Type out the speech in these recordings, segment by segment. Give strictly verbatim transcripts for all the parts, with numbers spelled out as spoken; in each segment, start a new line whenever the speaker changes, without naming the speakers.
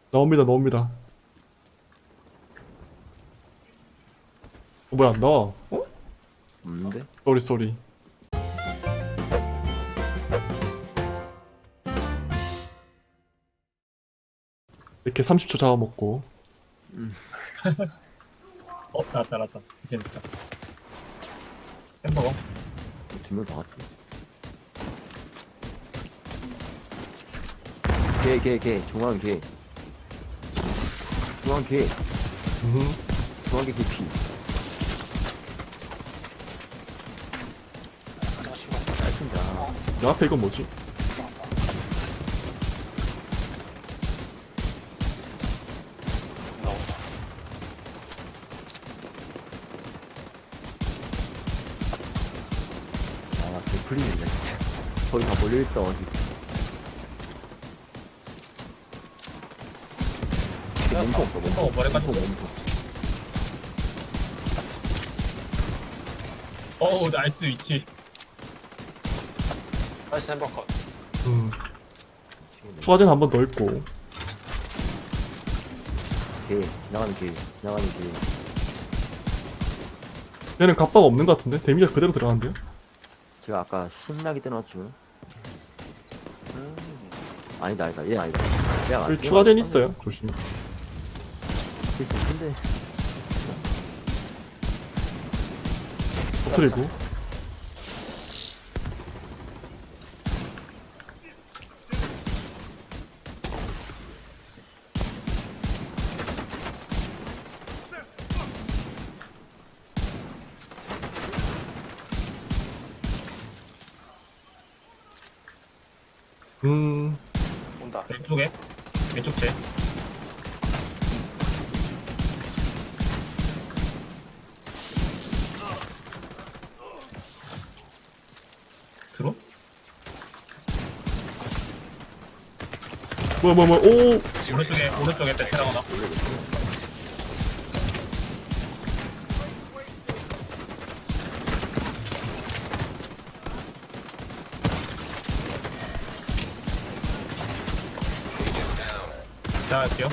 나옵니다, 나옵니다. 어, 뭐야, 안 나와? 어?
없는데?
쏘리, 쏘리. 이렇게 삼십 초 잡아먹고.
어, 나왔다, 나왔다. 이제 됐다. 햄버거.
두명 다 왔지. 개, 개, 개. 중앙 개. 중앙 개.
음.
중앙 개 개피.
가져가 죽어.
짧습니다.
내 앞에 이건 뭐지?
나온다.
아, 개풀리네, 진짜. 거기 다 몰려있어가지고. 몸통 없어, 몸통.
햄버거 머리
몸통,
까지고.
몸통.
어우, 나이스 위치.
나이스 햄버거 컷.
음. 추가제는 한 번 더 있고.
개, 지나가는 개, 지나가는 개.
얘는 갑바가 없는 것 같은데? 데미지가 그대로 들어가는데요?
제가 아까 신나게 떼놨죠.
음.
아니다, 아니다, 얘 아니다. 얘가
여기 추가제는 있어요. 조심.
근데,
터트리고. 음.
온다.
왼쪽에. 왼쪽 제. 들어?
뭐야, 뭐야, 뭐야. 오!
오른쪽에, 오른쪽에 베테랑 하나. 시작할게요.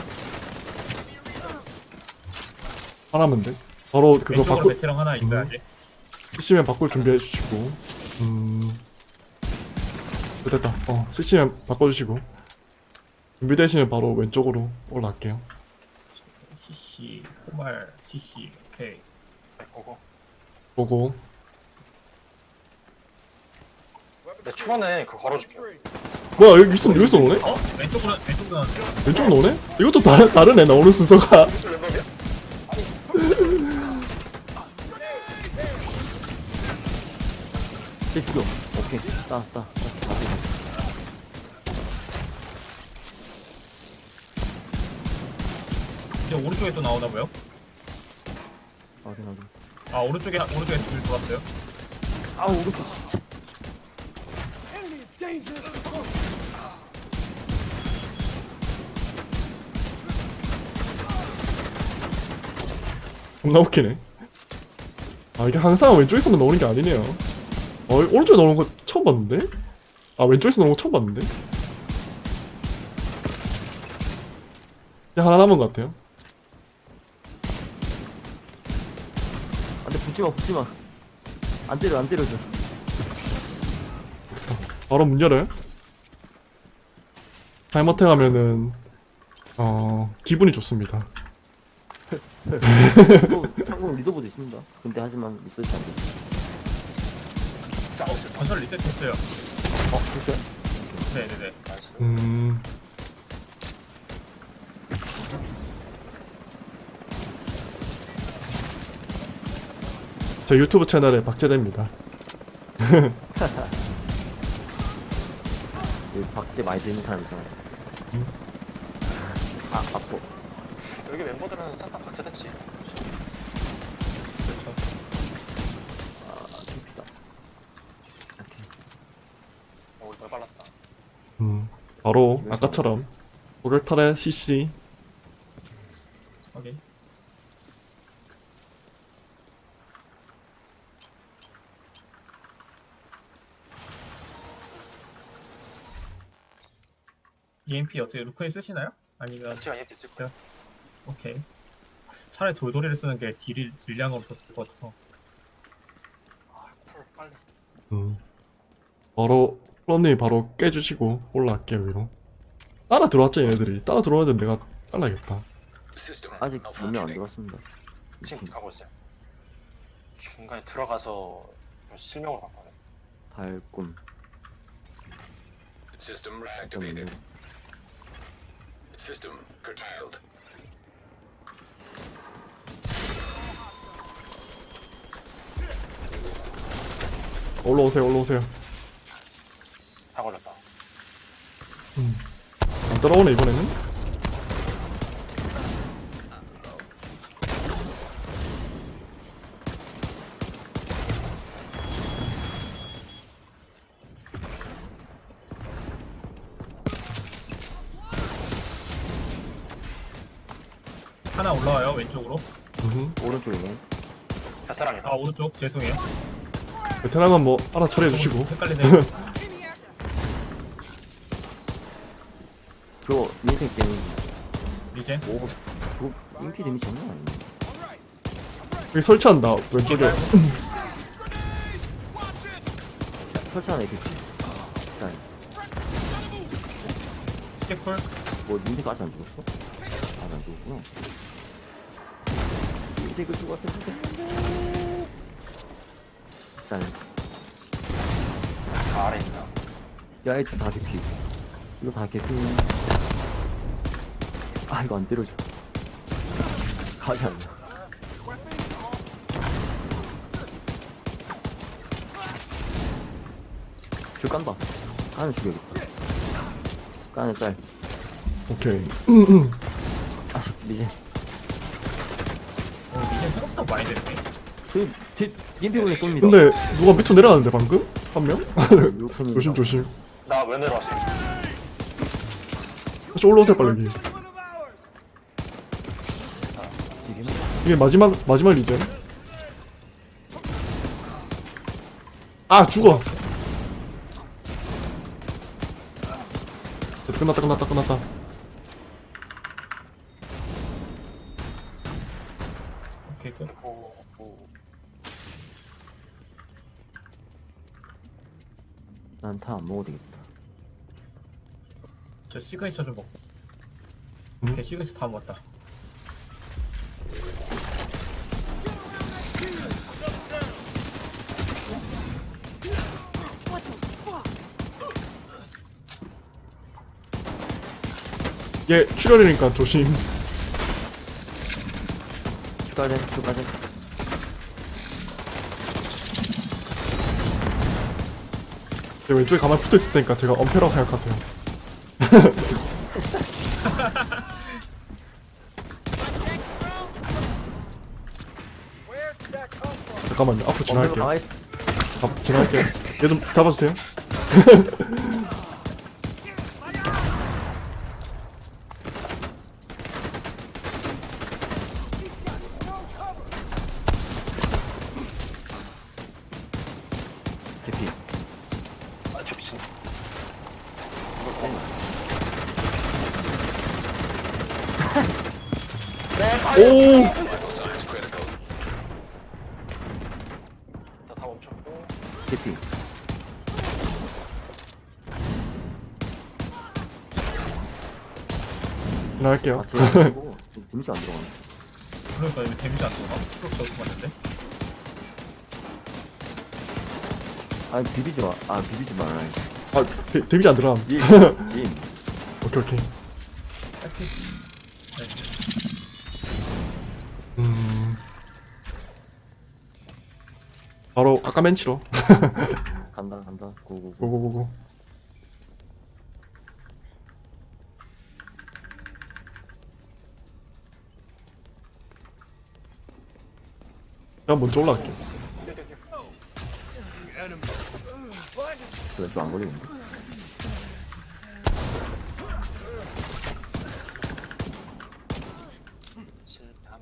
하나면 돼. 바로 그거
왼쪽으로
바꿀,
베테랑 하나 있어야지.
씨씨면 바꿀 준비해 주시고. 음. 됐다. 어, 씨씨면 바꿔주시고. 준비되시면 바로 왼쪽으로 올라갈게요.
씨씨, 호말, 씨씨, 오케이.
네, 고고.
보고.
내 초반에 그거 걸어줄게요.
뭐야, 여기 있어, 여기서 노네?
어? 왼쪽으로, 왼쪽으로 나왔어.
왼쪽 노네? 이것도 다른, 다르네, 나오는 순서가.
이쪽 왼쪽이야?
쟤 죽여. 오케이. 따, 따, 따.
이제 오른쪽에 또 나오나고요?
확인, 확인.
아, 오른쪽에, 오른쪽에 둘 들어왔어요.
아, 오른쪽 진짜.
겁나 웃기네. 아, 이게 항상 왼쪽에서만 나오는 게 아니네요. 어, 오른쪽에 나오는 거 처음 봤는데? 아, 왼쪽에서 나오는 거 처음 봤는데? 그냥 하나 남은 것 같아요.
안 돼, 붙지 마, 붙지 마. 안 때려, 안 때려줘.
바로 문 열어요. 타임어택 하면은, 어, 기분이 좋습니다.
참고로 리더보드 있습니다. 근데 하지만 리서치 안 돼.
싸우세요.
건설 리셋했어요.
어, 됐어요?
네네네.
나이스.
음, 저 유튜브 채널에 박제됩니다.
여기 박제 많이 되는 사람 있잖아요.
음.
아, 아파.
여기 멤버들은 싹 다 박제됐지.
그렇죠.
아, 깊이다. 오케이.
어, 우리 뭘 발랐다.
음, 바로 아까처럼 고객탈의 씨씨.
확인. 이엠피 어떻게 루크에 쓰시나요? 아니면
같이가 얘 있을 거야.
오케이. 차라리 돌돌이를 쓰는 게 딜이 딜량으로 더 좋을 것 같아서.
아, 풀 빨리.
음. 바로 플런님이 바로 깨주시고 올라갈게요 위로. 따라 들어왔죠 얘네들이. 따라 들어오는 데는 내가 잘라야겠다.
아직 분명 안 들어왔습니다.
지금 가고 있어요. 중간에 들어가서 실명으로 바꿔요.
달꿈.
System
좀
reactivated. System curtailed.
올라오세요 올라오세요.
다 걸렸다.
안 따라오네 이번에는.
하나 올라와요 왼쪽으로.
음.
오른쪽이네.
베테랑이다.
아 오른쪽 죄송해요.
베테랑은 뭐 알아 처리해 주시고.
헷갈리네요.
저 민생 게임.
이제
오, 저 인피 데미지 장난 아니네.
여기 설치한다 왼쪽에.
설치하네 이렇게. 자,
스택풀.
뭐 민생 아직 안 죽었어? 아직 안 죽었구나. 민생 그 죽었어. 민생. 자,
다 아래 있다.
야 이거 다 개피. 이거 다 개피. 아 이거 안 때려져. 가지 않나. 저 깐다. 까는 죽여야겠다. 까는 짤.
오케이.
아 이제
어, 이제 생각보다 많이 됐네.
저 뒤, 인피군에 쏩니다.
근데 누가 미쳐 내려왔는데 방금? 한 명?
이렇게는
조심 조심.
나 왜 내려왔어?
다시 올라오세요 빨리 여기.
지금
이게 마지막 마지막 리전. 아 죽어. 끝났다 끝났다 끝났다.
오케이 끝.
오, 오.
난 다 안 먹어도 되겠다.
저 시그니처 좀 먹고.
음?
오케이 시그니처 다 먹었다.
얘 출혈이니까 조심.
추가된 추가된.
제 왼쪽에 가만히 붙어 있을 테니까 제가 엄폐라고 생각하세요. 잠깐만요. 앞으로 지나갈게요.
가만있어.
가, 지나갈게요. 얘 좀 잡아주세요.
개피.
아, 저 미친.
오!
Vital signs critical.
다, 다 멈췄고.
개피.
지나갈게요.
아 제가 데미지 안 들어가네.
그러니까 여기 데미지 안 들어가. 쭉 저기서 맞는데.
아니 비비지 마. 아 비비지 말아.
아, 데, 데미지 안 들어감.
임. 임.
오케이, 오케이.
나이스.
음. 바로 아까 맨치로.
간다 간다. 고고고.
고고고고. 제가 먼저 올라갈게요.
왼쪽 안 걸리는데.
실함.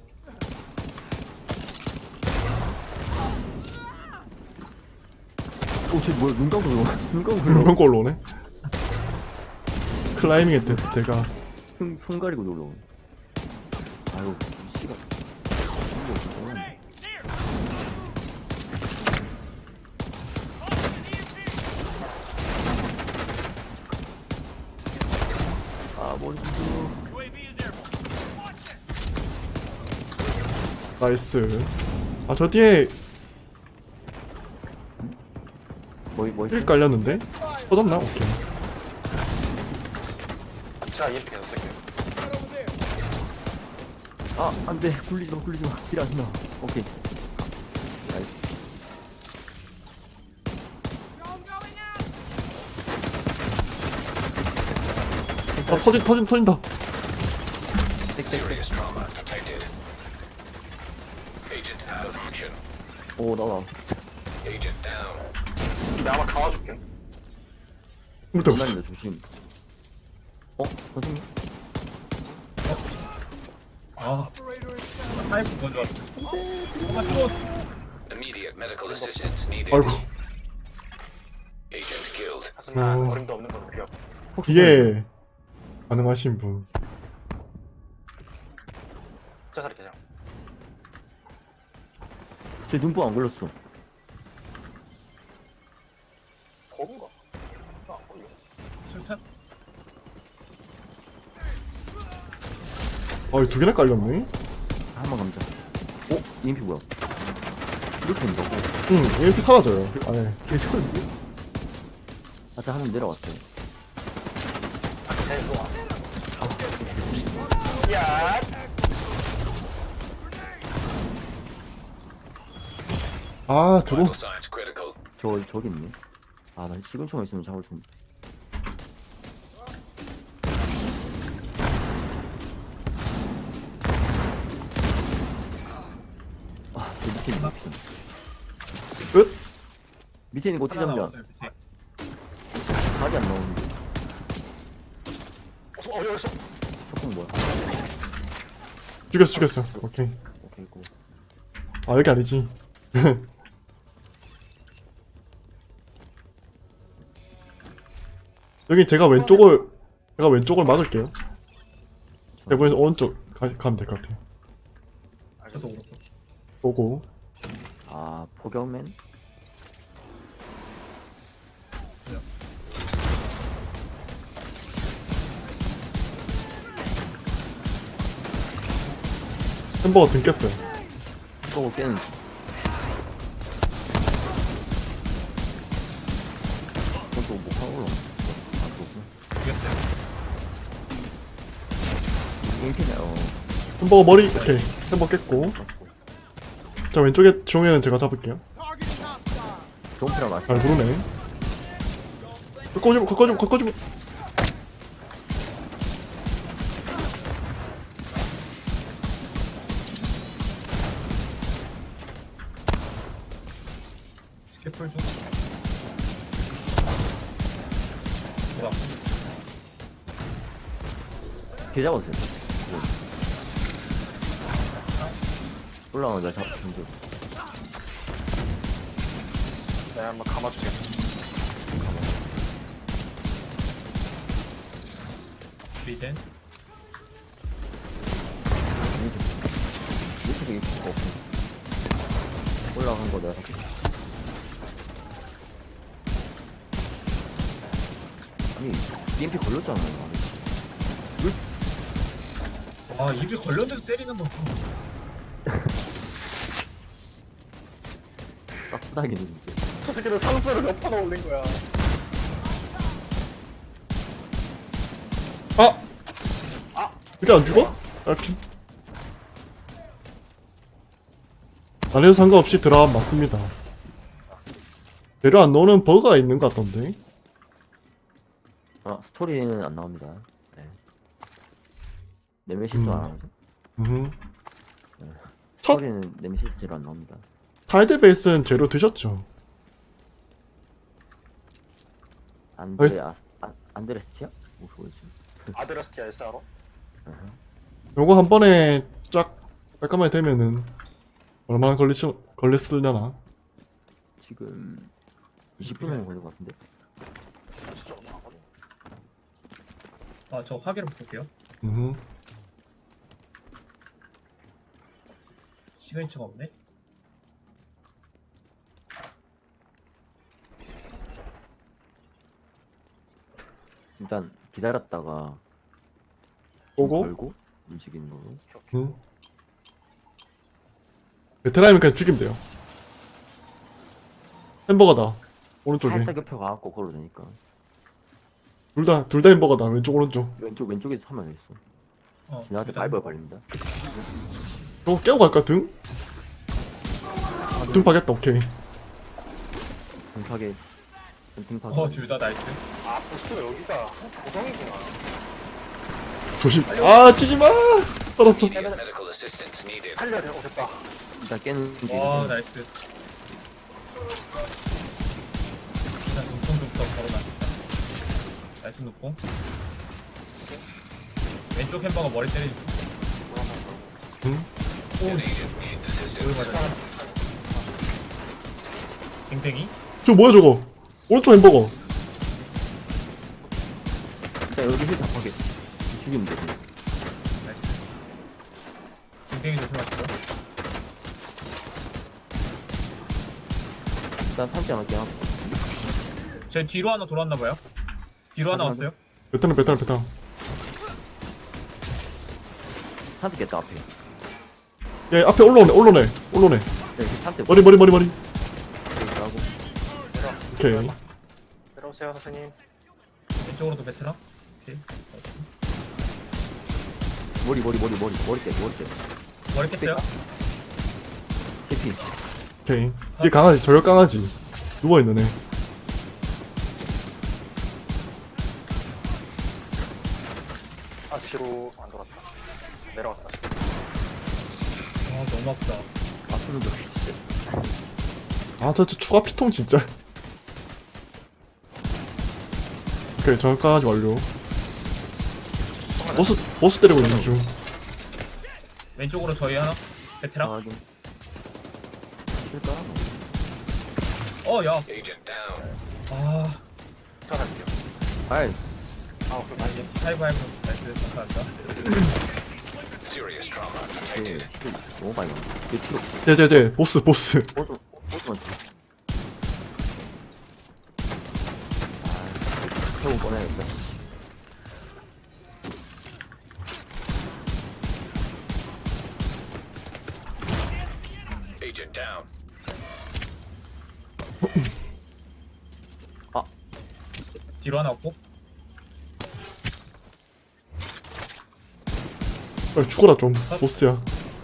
오쟤 뭐야 눈 감고 들어. 눈 감고 들어.
물건 올라오네. 클라이밍의 대, 대가.
손, 손 가리고 놀러. 아이고, 씨가. 이거 진짜. 아, 머리 좀.
나이스. 아, 저 뒤에
뭐, 뭐 있어?
힐 깔렸는데? 터졌나? 오케이.
제가 이엠피 계속 쓸게요.
아, 안 돼. 굴리지 마, 굴리지 마. 딜 안 나. 오케이. 나이스.
아, 터진, 터진, 터진다.
Serious trauma detected. Agent out of action.
오, 나와.
Agent down.
내가 아마 감아줄게.
못해, 없어.
장난이다, 조심. 어? 선생님?
아 사이프 먼저 왔어. 엄마 또
Immediate medical assistance needed.
아이고.
Agent killed.
하지만
어.
어림도 없는 건 우리가
이게 가능하신 분.
자살이 그냥.
제 눈뽕 안 걸렸어.
버그인가? 나안 걸려.
술탄.
아, 두 개나 깔렸네?
한번 감자. 어? 이엠피 뭐야? 이렇게 된다고?
응, 이렇게 사라져요. 아, 네.
개좋은데? 아까 한번 내려왔어요.
대고 야.
아, 들어.
Vital signs critical.
저, 저기 있네. 아, 나 시금초만 있으면 잡을 텐데. 아, 저 밑에 있는 거
끝?
밑에 있는 거 어떻게
하나
잡냐?
남았어요 밑에.
각이 안 나오는데.
어, 어디 어딨어?
첫공 뭐야?
죽였어, 죽였어. 오케이.
오케이, 고.
아, 여기 아니지. 여기 제가 왼쪽을, 제가 왼쪽을 막을게요. 대본에서 오른쪽 가, 가면 될 것 같아요.
저도 오른쪽.
보고.
아, 포경맨?
햄버거 등 깼어요.
포경 깨는. 그것도 못하고 올라. 아, 그렇구나.
이겼어요.
이엠피네, 어.
햄버거 머리, 오케이. 햄버거 깼고. 자, 왼쪽에 종에는 제가 잡을게요.
동피랑 맞
잘 부르네. 꺾어주면, 꺾어주면, 꺾어주면.
스케풀 중. 뭐야?
개 잡았어요. 올라가자, 잡, 정도.
내가 한번 감아줄게.
리젠.
이렇게 되게 필요가 없고. 올라간 거 내가 잡게. 아니, 이엠피 걸렸잖아.
아 입이 걸렸는데도 때리는 거.
싹스닥이네, 진짜.
저 새끼는 상처를 몇 번 올린 거야.
아!
아!
이게 안 죽어? 이렇게. 안 해도 상관없이 드랍 맞습니다. 재료 안 넣는 버그가 있는 것 같던데.
아, 스토리는 안 나옵니다. 네. 네메시스
음.
안 나오죠?
음.
스토리는 네메시스 제로 안 나옵니다.
타이드 베이스는 재료 드셨죠?
안드레, 아, 아, 안드레스티아? 뭐, 뭐였지?
아드라스티아 에스알로?
요거 한 번에 쫙 깔끔하게 되면은 얼마나 걸리시, 걸렸으려나?
지금 이십 분 정도 걸릴 것 같은데?
진짜 얼마 안 걸려.
아저 화기로 볼게요.
음.
시그니처가 없네.
일단 기다렸다가
오고.
걸고 움직이는 거고.
음. 베테랑이면 그냥 죽이면 돼요. 햄버거다. 오른쪽에.
살짝 옆에 가갖고 걸어도 되니까.
둘 다, 둘 다 햄버거다. 왼쪽, 오른쪽.
왼쪽 왼쪽에서 하면 되겠어.
어,
지나한테
일단
바이벌 걸립니다.
저거 깨고 갈까, 등? 등 파겠다, 오케이.
등파게. 등파게.
어, 둘 다 나이스.
아 보스가 여기가 고정이구나.
조심. 아, 찌지 마! 살았어.
Immediate medical assistance needed.
살려야 돼. 어 됐다.
일단 깨는 게.
와, 나이스. 일단 눈뽕부터 걸어놔야겠다. 나이스 눈뽕. 왼쪽 햄버거 머리 때리지.
응?
An agent needs assistance.
댕댕이?
저 뭐야, 저거? 오른쪽 햄버거.
일단 여기 힐 잡하게. 죽이면 돼. 그냥.
나이스. 댕댕이 조심하시죠.
일단 삼지 않을게 하고.
제 뒤로 하나 돌았나봐요. 뒤로 하나
확인,
왔어요.
베테랑, 베테랑, 베테랑.
삼지 깼다 앞에.
예, 앞에 올라오네, 올라오네, 올라오네.
네, 삼지
머리, 머리, 머리, 머리.
하고.
오케이.
내려오세요 선생님.
왼쪽으로도 베트남. 오케이. 나이스.
머리 머리 머리 머리 머리 깨 머리 깨.
머리 깼어요?
해피.
오케이. 얘 강아지, 저격 강아지. 누워있는 애.
아 뒤로 안 돌았다. 내려왔다.
아, 너무 아프다.
아프는 거 진짜.
아, 저, 저 추가 피통 진짜. 오케이, 저격 강아지 완료. 보스, 보스 때리고 있는 중.
왼쪽으로 저희 하나. 베트남.
아, 확인. 킬까?
어, 야.
Agent down.
아,
찾아갈게요.
아이.
아 오케이 많이.
하이브 하이브. 나이스. 감사합니다.
Serious trauma
그,
detected.
힐 너무 많이 나온다. 그 필요 없어.
제, 제, 제, 보스, 보스.
오도 오도만 줘. 아, 태우 꺼내야겠다.
Agent down.
뒤로 하나 없고.
빨리 죽어라, 좀. 보스야.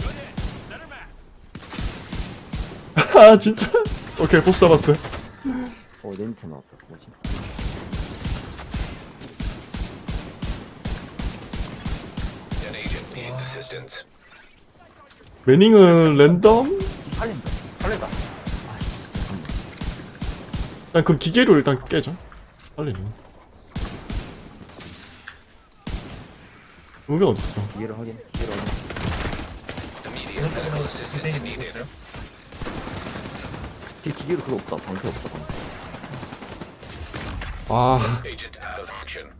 아, 진짜? 오케이, 보스 잡았어요.
어, 네임트 나왔다. 뭐지?
An agent needs assistance.
매닝은 랜덤?
살린다.
살린다.
아, 씨. 잠깐만.
일단 그 기계로 일단 깨죠. 빨리네. 의미가 어딨어.
기회를 확인. 기회를 확인.
Immediate medical assistance
댕댕이
needed.
있어요.
기, 기계로 그거 없다. 방패 없다. 방패.
아,
Agent out of action.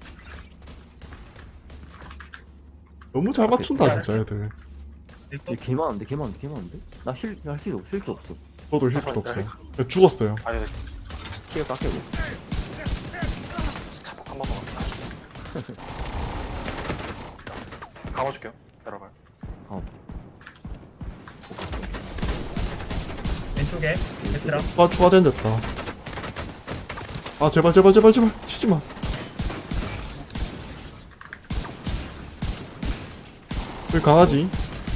너무 잘 맞춘다, 진짜, 애들.
딜거.
얘 개많은데? 개많은데? 개많은데? 나 힐, 나 힐, 없- 힐도 없어.
저도 힐도 없어요. 그냥 죽었어요.
아니
키가 깎여고.
자폭 한 번만 왔다. 감아줄게요. 들어가요.
어.
왼쪽에 베트남.
아, 추가된 됐다. 아, 제발, 제발, 제발, 제발. 치지 마. 여기 강아지.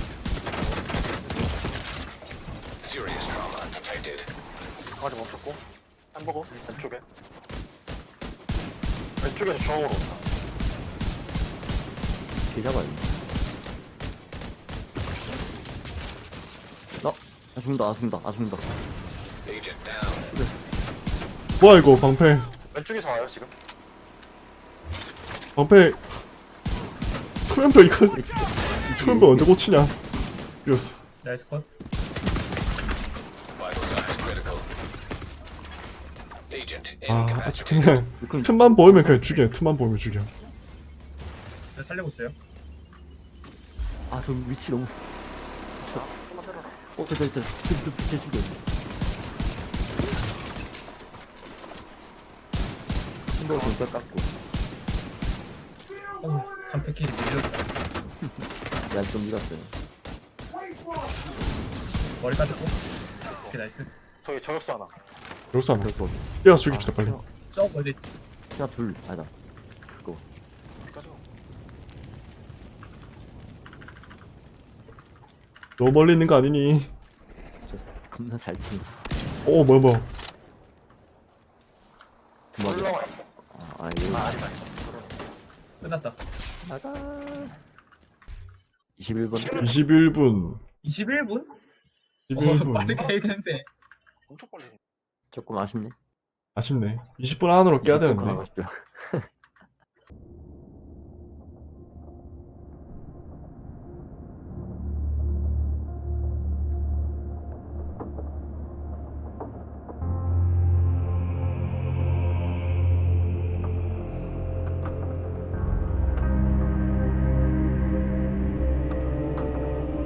Serious trauma detected.
강아지 멈췄고 햄버거 왼쪽에. 왼쪽에서 중앙으로 온다.
개 잡아야 돼. 어? 나 죽는다, 나 죽는다, 나 죽는다.
Agent down.
뭐야, 이거, 방패.
왼쪽에서 와요 지금.
방패. 투명표 이거, 투명표 언제 고치냐. 이겼어.
나이스 컷.
Vital signs critical. Agent
아, 아직
incapacitated.
그냥 틈만 보이면 그냥 죽여. 틈만 보이면 죽여.
네, 살리고 있어요.
아, 저 위치 너무.
아, 좀만 때려라.
어, 됐다, 됐다. 지금 좀 빛에 죽여. 햄버거 진짜 깎고.
어, 한 패키지 밀렸다.
야, 좀 밀었어요.
머리 까졌고. 오케이, 나이스.
저기 저격수 하나.
여기서 안 돼.
그럴 거.
뛰어서 죽입시다 빨리.
저 멀리.
하나, 둘. 아니다.
여기까지.
너무 멀리 있는 거 아니니?
겁나 잘 치네.
오 뭐야 뭐야.
두 마리.
올라와.
아, 아, 이거.
아, 아니다.
끝났다.
나가. 이십일 번.
이십일 분.
이십일 분?
이십일
어,
분.
빠르게 해야겠는데.
엄청 빨리.
조금 아쉽네.
아쉽네. 이십 분 안으로 깨야
이십 분
되는데.
가고 싶죠.